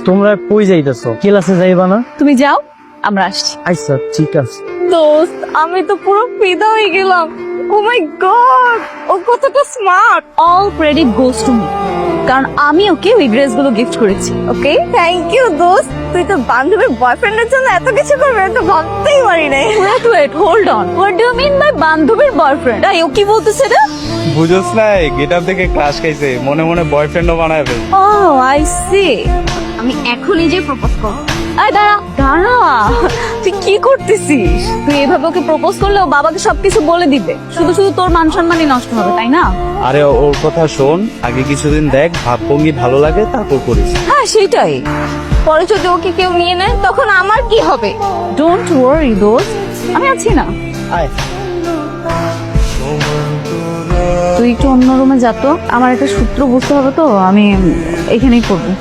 তোমরা কই যাইতেছো? ক্লাসে যাইবা না? তুমি যাও, আমরা আসছি। আচ্ছা ঠিক আছে। দোস্ত, আমি তো পুরো ফিদা হয়ে গেলাম। ও মাই গড, ও কতটা smart. All credit goes to me, কারণ আমি ওকে ওই ড্রেসগুলো গিফট করেছি। ওকে, থ্যাংক ইউ দোস্ত। তুই তো বান্ধবীর বয়ফ্রেন্ডের জন্য এত কিছু করবে এটা ভাবতেই পারি নাই। Wait, hold on. What do you mean by বান্ধবীর বয়ফ্রেন্ড? ও কি বলতেছে রে? বুঝোস নাই, গেটআপ দেখে ক্লাস খাইছে, মনে মনে বয়ফ্রেন্ডও বানায় ফেল। O I C. আমি এখন নিজেই প্রপোজ করব। আয় দাঁড়া, তুই কি করতেছিস? তুই এভাবে ওকে প্রপোজ করলে ও বাবাকে সবকিছু বলে দিবে, শুধু শুধু তোর মান সম্মানই নষ্ট হবে, তাই না? আরে ওর কথা শোন, আগে কিছুদিন দেখ, ভাবভঙ্গি ভালো লাগে তারপর করিস। হ্যাঁ সেটাই। পরে যদি ওকে কেউ নিয়ে নেয় তখন আমার কি হবে? ডোন্ট ওয়ারি দোস্ত, আমি আছি না। আয়। তুই একটু অন্য রুমে যা তো, আমার একটা সূত্র বুঝতে হবে তো, আমি এখানেই করবো।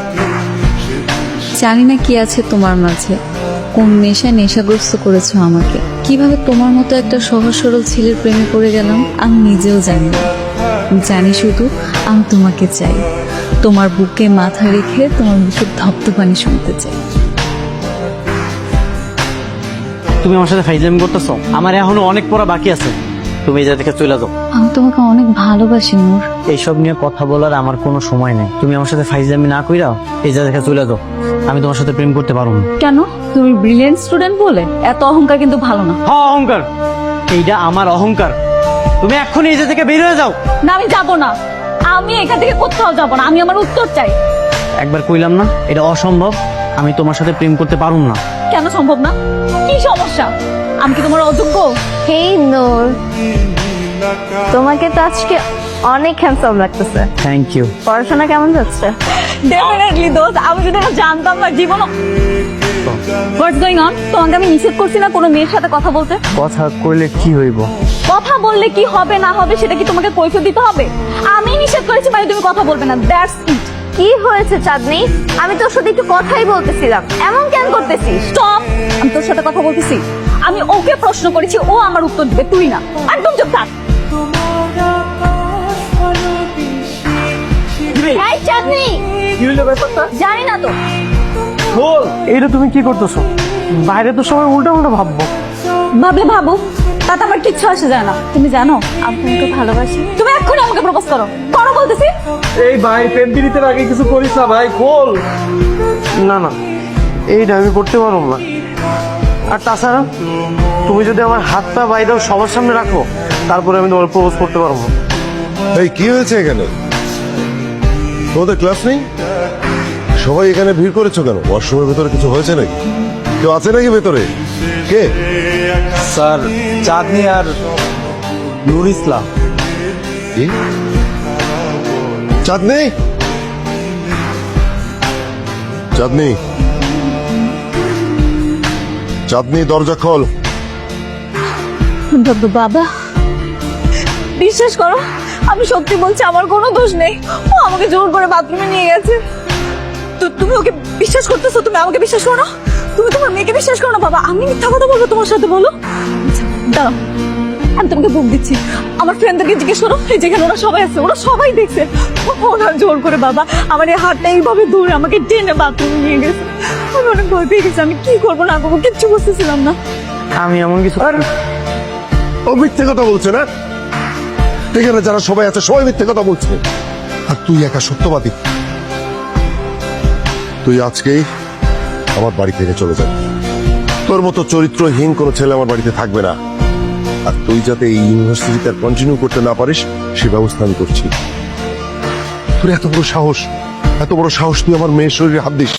জানি না কি আছে তোমার মাঝে, কোন নেশাগ্রস্ত করেছো আমাকে। কিভাবে তোমার মতো একটা সহজ সরল ছেলের প্রেমে পড়ে গেলাম আমি নিজেও জানি না। জানি শুধু আমি তোমাকে চাই, তোমার বুকে মাথা রেখে তোমার মুখের ধপ্তপানি শুনতে চাই। তুমি আমার সাথে ফাইজলামি করতেছো? আমার এখনো অনেক পড়া বাকি আছে। তুমি এই জায়গা থেকে চলে যাও। আমি তোমাকে অনেক ভালোবাসি নূর। এইসব নিয়ে কথা বলার আমার কোনো সময় নেই। তুমি আমার সাথে ফাইজলামি না কইরা এই জায়গা থেকে চলে যাও। আমি তোমার সাথে প্রেম করতে পারবো না। কেন? তুমি ব্রিলিয়েন্ট স্টুডেন্ট বলে? এত অহংকার কিন্তু ভালো না। হ্যাঁ অহংকার, এইটা আমার অহংকার। তুমি এক্ষুনি এই জায়গা থেকে বের হয়ে যাও। না আমি যাব না, আমি এখান থেকে কোথাও যাব না, আমি আমার উত্তর চাই। একবার কইলাম না এটা অসম্ভব, আমি তোমার সাথে প্রেম করতে পারুম না। কেন সম্ভব না? কি সমস্যা? আমি কি তোমার অযোগ্য? হেই নূর, তোমাকে তো আজকে অনেক হ্যান্ডসাম লাগতেছে। Thank you. পড়াশোনা কেমন যাচ্ছে? ডেফিনেটলি দোস্ত, আমি যদি এটা জানতাম না জীবন। What's going on? তোমাকে আমি নিষেধ করছি না কোনো মেয়ের সাথে কথা বলতে? কথা কইলে কি হইব? কথা বললে কি হবে না হবে সেটা কি তোমাকে কৈফিয়ত দিতে হবে? আমি নিষেধ করেছি মানে তুমি কথা বলবে না, দ্যাটস ইট। কি হয়েছে চাঁদনি? আমি তোর সাথে একটু কথাই বলতেছিলাম, এমন কেন করতেছিস? স্টপ। আমি তোর সাথে কথা বলতেছি, আমি ওকে প্রশ্ন করেছি, ও আমার উত্তর দিবে, তুই না। একদম চুপ থাক। এই চাঁদনি, কি হইলো ব্যাপারটা? জানি না তো। বল, এইটা তুমি কি করতেছো? বাইরে তো সবাই উল্টা উল্টা ভাববো। ভাবলে ভাবো, তাতে আমার কিচ্ছু আসে যায় না। তুমি জানো আমি তোমাকে ভালোবাসি। তুমি এক্ষুনি আমাকে প্রপোজ করো, করো বলতেছি। এই ভাই প্রেম পিরিতের আগে কিছু করিস না ভাই, বল। না না, এইটা আমি করতে পারবো না। আর তাছাড়া তুমি যদি আমার হাতটা বাইরেও সবার সামনে রাখো তারপরে আমি তোমার প্রপোজ করতে পারবো। এই কি হয়েছে এখানে? তোমাদের ক্লাস নেই? সবাই এখানে ভিড় করেছো কেন? ওয়াশরুমের ভেতরে কিছু হয়েছে নাকি? কেউ আছে নাকি ভেতরে? কে? স্যার, চাঁদনি আর নুর ইসলাম। কি? চাঁদনি, চাঁদনি, চাঁদনি, দরজা খোল। বাবা, বিশ্বাস করো আমি সত্যি বলছি, আমার কোনো দোষ নেই। ও আমাকে জোর করে বাথরুমে নিয়ে গেছে। তুমি ওকে বিশ্বাস করতেছো? তুমি আমাকে বিশ্বাস করো না? তুমি তোমার মেয়েকে বিশ্বাস করো না? বাবা আমি মিথ্যা কথা বলবো তোমার সাথে? বলো। আচ্ছা, দাঁড়াও, আমি তোমাকে বুক দিচ্ছি। আমার ফ্রেন্ডদেরকে জিজ্ঞেস করো, এই যেখানে ওরা সবাই আছে, ওরা সবাই দেখছে। ওরা জোর করে বাবা আমার এই হাতটা এইভাবে ধরে আমাকে টেনে বাথরুমে নিয়ে গেছে। আমি অনেক ভয় পেয়ে গেছি, আমি কি করবো না করবো কিচ্ছু বুঝতেছিলাম না। আমি এমন কিছু ও মিথ্যে কথা বলছে না? এখানে যারা সবাই আছে সবাই মিথ্যে কথা বলছে, আর তুই একা সত্যবাদী। তুই আজকেই আমার বাড়ি থেকে চলে যাবি। তোর মতো চরিত্রহীন কোনো ছেলে আমার বাড়িতে থাকবে না। আর তুই যাতে এই ইউনিভার্সিটিতে কন্টিনিউ করতে না পারিস সে ব্যবস্থা আমি করছি। তোর এত বড় সাহস, এত বড় সাহস তুই আমার মেয়ের শরীরে হাত দিস?